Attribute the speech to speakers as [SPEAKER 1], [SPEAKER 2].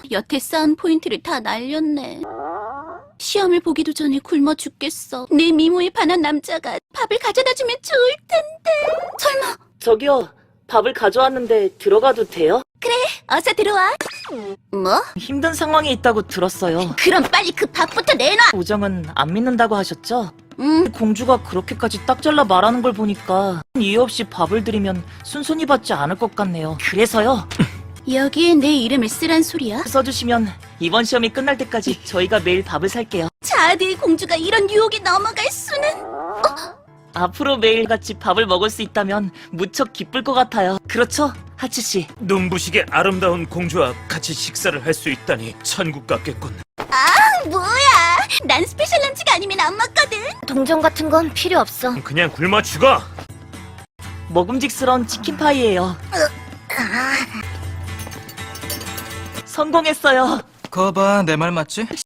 [SPEAKER 1] 여태 쌓은 포인트를 다 날렸네. 시험을 보기도 전에 굶어 죽겠어. 내 미모에 반한 남자가 밥을 가져다 주면 좋을 텐데. 설마.
[SPEAKER 2] 저기요, 밥을 가져왔는데 들어가도 돼요?
[SPEAKER 1] 그래, 어서 들어와. 뭐?
[SPEAKER 2] 힘든 상황에 있다고 들었어요.
[SPEAKER 1] 그럼 빨리 그 밥부터 내놔.
[SPEAKER 2] 우정은 안 믿는다고 하셨죠?
[SPEAKER 1] 응.
[SPEAKER 2] 공주가 그렇게까지 딱 잘라 말하는 걸 보니까 이유 없이 밥을 드리면 순순히 받지 않을 것 같네요. 그래서요,
[SPEAKER 1] 여기에 내 이름을 쓰란 소리야?
[SPEAKER 2] 써주시면 이번 시험이 끝날 때까지 저희가 매일 밥을 살게요.
[SPEAKER 1] 자드의 공주가 이런 유혹에 넘어갈 수는.
[SPEAKER 2] 앞으로 매일 같이 밥을 먹을 수 있다면 무척 기쁠 것 같아요. 그렇죠, 하치씨?
[SPEAKER 3] 눈부시게 아름다운 공주와 같이 식사를 할 수 있다니 천국 같겠군.
[SPEAKER 1] 뭐야? 난 스페셜 런치가 아니면 안 먹거든.
[SPEAKER 4] 동전 같은 건 필요 없어.
[SPEAKER 3] 그냥 굶어 죽어!
[SPEAKER 2] 먹음직스러운 치킨파이예요. 성공했어요.
[SPEAKER 5] 거봐, 내 말 맞지?